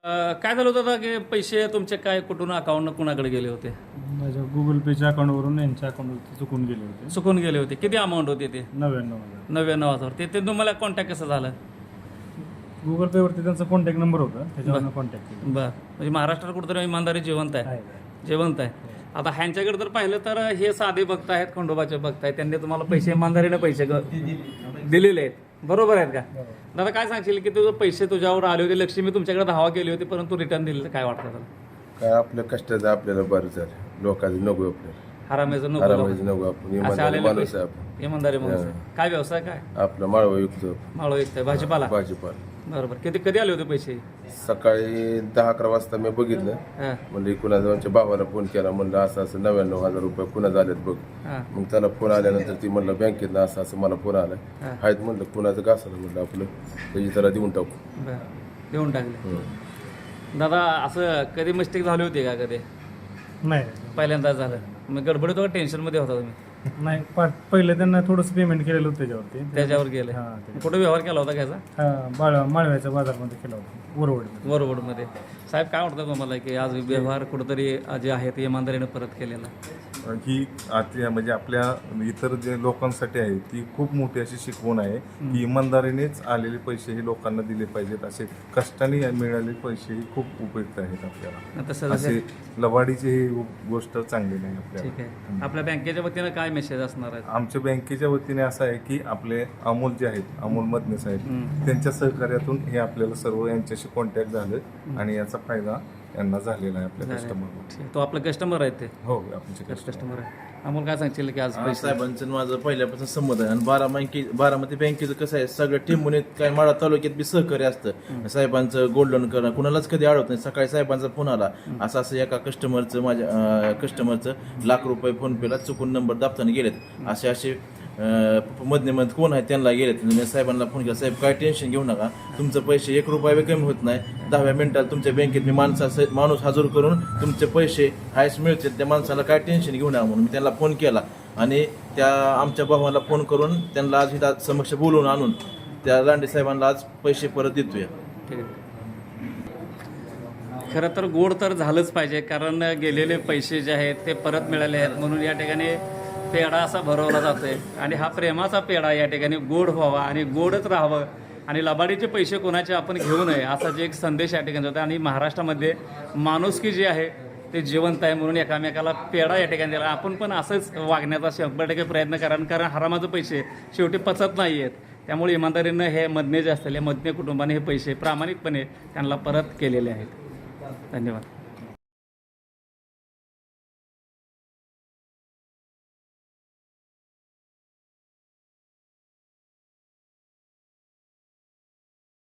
काय झालं होतं की पैसे तुमचे काय कुठून अकाउंट कुणाकडे गेले होते? माझ्या गुगल पेच्या अकाउंटवरून यांच्या अकाउंटवर चुकून गेले होते. चुकून गेले होते. किती अमाऊंट होती ते? 99,000. 99,000. ते तुम्हाला कॉन्टॅक्ट कसं झालं? गुगल पेवरती त्यांचा कॉन्टॅक्ट नंबर होता, त्याच्यावरून कॉन्टॅक्ट केला. बरं, म्हणजे महाराष्ट्रात कुठेतरी इमानदारी जिवंत आहे. आहे. जिवंत आहे. आता ह्यांच्याकडे जर पाहिलं तर हे साधे भक्त आहेत, खंडोबाचे भक्त आहेत, त्यांनी तुम्हाला पैसे इमानदारीने पैसे दिलेले आहेत. बरोबर आहेत का? दादा काय सांगशील की तुझे पैसे तुझ्यावर आले होते, लक्ष्मी तुमच्याकडे धावा केली होती, परंतु रिटर्न दिले, काय वाटतं तुला? काय आपल्या कष्टाचं आपल्याला बरं झालं, लोकांचं नको आपल्याला, हरामायचं नको. आरामाचं नको, आपण असे इमानदारी आलेले माणूस पैसे आहे आपण. इमानदारी माणूस आहे. काय व्यवसाय काय? आपलं माळवा विकतो, माळव विकताय, भाजीपाला. भाजीपाला. बरोबर. कधी आले होते पैसे? सकाळी 10-11 वाजता मी बघितलं, हां म्हणजे कुणाचा आमच्या भावाला फोन केला, म्हणलं असं असं 99,000 रुपये कुणा झालेत बघ. हां मग त्याला फोन आल्यानंतर ती म्हणलं बँकेतनं असं असं मला फोन आला हां. आहेत, म्हणलं कुणाचं का असं म्हणलं आपलं त्याची त्याला देऊन टाकू. बरं, देऊन टाकले. हं. दादा असं कधी मिस्टेक झाली होती का कधी? नाही पहिल्यांदा झालं मग गडबडीत होता, टेन्शनमध्ये होता तुम्ही? नाही पहिले त्यांना थोडंसं पेमेंट केलेलं होतं त्याच्यावरती. त्याच्यावर गेले. हां, ते- कुठं व्यवहार केला होता घ्यायचा? माळव्याच्या बाजारमध्ये केला होता, वरवडमध्ये. वरवडमध्ये. साहेब काय वाटतं तुम्हाला की आज व्यवहार कुठंतरी जे आहे ते इमानदारीने परत केलेला? ही आता म्हणजे आपल्या इतर जे लोकांसाठी आहे ती खूप मोठी अशी शिकवण आहे की इमानदारीनेच आलेले पैसे हे लोकांना दिले पाहिजेत. असे कष्टाने मिळालेले पैसे ही खूप उपयुक्त आहेत आपल्याला. तसं असे लवाडीची ही गोष्ट चांगली नाही आपल्याला. ठीक आहे. आपल्या बँकेच्या वतीनं काय मेसेज असणार आहे? आमच्या बँकेच्या वतीने असं आहे की आपले अमोल जे आहेत, अमोल मदने साहेब, त्यांच्या सहकार्यातून हे आपल्याला सर्व यांच्याशी कॉन्टॅक्ट झालं आणि याचा फायदा यांना झालेला आहे आपल्या कस्टमरला. तो आपला कस्टमर आहे ते? हो, आमचे कस्टमर आहे. अमोल काय सांगशील की आज पैसे? साहेबांचं माझं पहिल्यापासून संमत आहे. आणि बारामती बँकेचं कसं आहे, सगळं टिंबून काय माळा तालुक्यात बी सहकार्य असतं. साहेबांचं गोल्ड लोन करणं कुणालाच कधी अडवत नाही. सकाळी साहेबांचा फोन आला, असं असं एका माझ्या कस्टमरचं ₹1,00,000 फोनपेला चुकून नंबर दाबताना गेलेत, असे मधने कोण आहे त्यांना गेलेत. मी साहेबांना फोन केला, साहेब काय टेन्शन घेऊ नका, तुमचं पैसे ₹1 कमी होत नाही. 10व्या मिनिटात तुमच्या बँकेत मी माणूस हजर करून तुमचे पैसे हायस मिळतील, त्या माणसाला काय टेन्शन घेऊ नका म्हणून मी त्यांना फोन केला. आणि त्या आमच्या भावाला फोन करून त्यांना आज इथं समक्ष बोलवून आणून त्या लांडे साहेबांना आज पैसे परत देतोय. ठीक आहे. खरं तर गोड तर झालंच पाहिजे, कारण गेलेले पैसे जे आहेत ते परत मिळाले आहेत, म्हणून या ठिकाणी पेढा असा भरवला जातोय. आणि हा प्रेमाचा पेढा या ठिकाणी गोड व्हावा आणि गोडच राहावं आणि लबाडीचे पैसे कोणाचे आपण घेऊ नये असा जे एक संदेश या ठिकाणी होता. आणि महाराष्ट्रामध्ये माणुसकी जी आहे ते जिवंत आहे, म्हणून एकामेकाला पेढा या ठिकाणी दिला. आपण पण असंच वागण्याचा 100% प्रयत्न करा, कारण हरामाचे पैसे शेवटी पचत नाही आहेत. त्यामुळे इमानदारीनं हे मदने जे असतील, या मदने कुटुंबाने हे पैसे प्रामाणिकपणे त्यांना परत केलेले आहेत. धन्यवाद.